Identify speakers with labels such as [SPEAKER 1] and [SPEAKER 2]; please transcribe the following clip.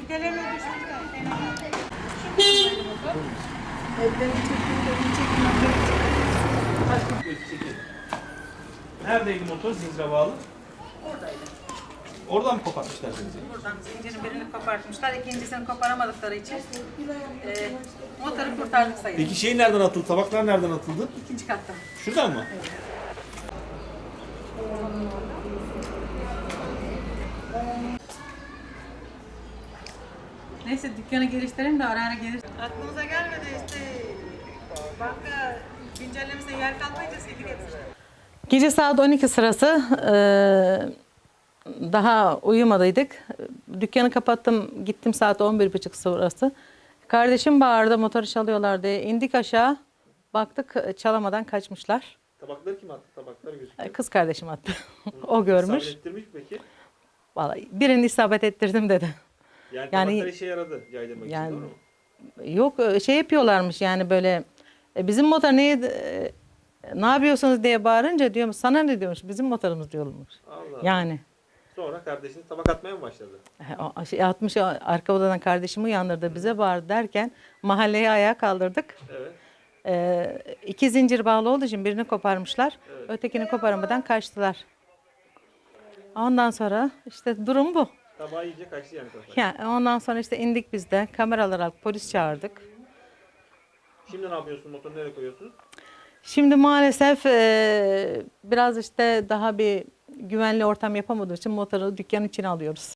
[SPEAKER 1] Fidelerine düşmüşler.
[SPEAKER 2] Neredeydi motor zincire bağlı?
[SPEAKER 1] Oradaydı.
[SPEAKER 2] Oradan mı kopartmışlar zinciri?
[SPEAKER 1] Buradan zincirin birini kopartmışlar. İkincisini koparamadıkları için motoru kurtardık sayılır.
[SPEAKER 2] Peki şey nereden atıldı? Tabaklar nereden atıldı?
[SPEAKER 1] İkinci katta.
[SPEAKER 2] Şuradan mı?
[SPEAKER 1] Neyse dükkanı geliştirelim de ara ara gelir. Aklımıza gelmedi işte. Banka güncellemesine yer kalmayınca silgi getirir. Gece saat 12 sırası daha uyumadıydık. Dükkanı kapattım, gittim saat 11.30 sırası. Kardeşim bağırdı, motoru çalıyorlar diye. İndik aşağı, baktık çalamadan kaçmışlar.
[SPEAKER 2] Tabakları kim attı? Tabaklar gözüküyor.
[SPEAKER 1] Kız kardeşim attı. O görmüş.
[SPEAKER 2] İsabet ettirmiş mi peki?
[SPEAKER 1] Vallahi birini isabet ettirdim dedi.
[SPEAKER 2] Yani,
[SPEAKER 1] Yani-
[SPEAKER 2] tabaklar işe yaradı caydırmak
[SPEAKER 1] Yani-
[SPEAKER 2] için, doğru mu?
[SPEAKER 1] Yok şey yapıyorlarmış yani böyle bizim motor ne yapıyorsunuz diye bağırınca diyorum sana ne diyormuş bizim motorumuz diyormuş.
[SPEAKER 2] Allah.
[SPEAKER 1] Yani
[SPEAKER 2] Sonra kardeşiniz tabak atmaya mı başladı?
[SPEAKER 1] şey atmış arka odadan kardeşimi uyandırdı bize bağırdı derken mahalleyi ayağa kaldırdık.
[SPEAKER 2] Evet.
[SPEAKER 1] İki zincir bağlı olduğu için birini koparmışlar. Ötekini koparamadan kaçtılar. Ondan sonra işte durum bu.
[SPEAKER 2] Tabağı iyice kaçtı yani kafa.
[SPEAKER 1] Yani ondan sonra işte indik biz de kameralar aldık polis çağırdık.
[SPEAKER 2] Şimdi ne yapıyorsun? Motoru nereye koyuyorsunuz?
[SPEAKER 1] Şimdi maalesef biraz işte daha bir güvenli ortam yapamadığı için motoru dükkanın içine alıyoruz.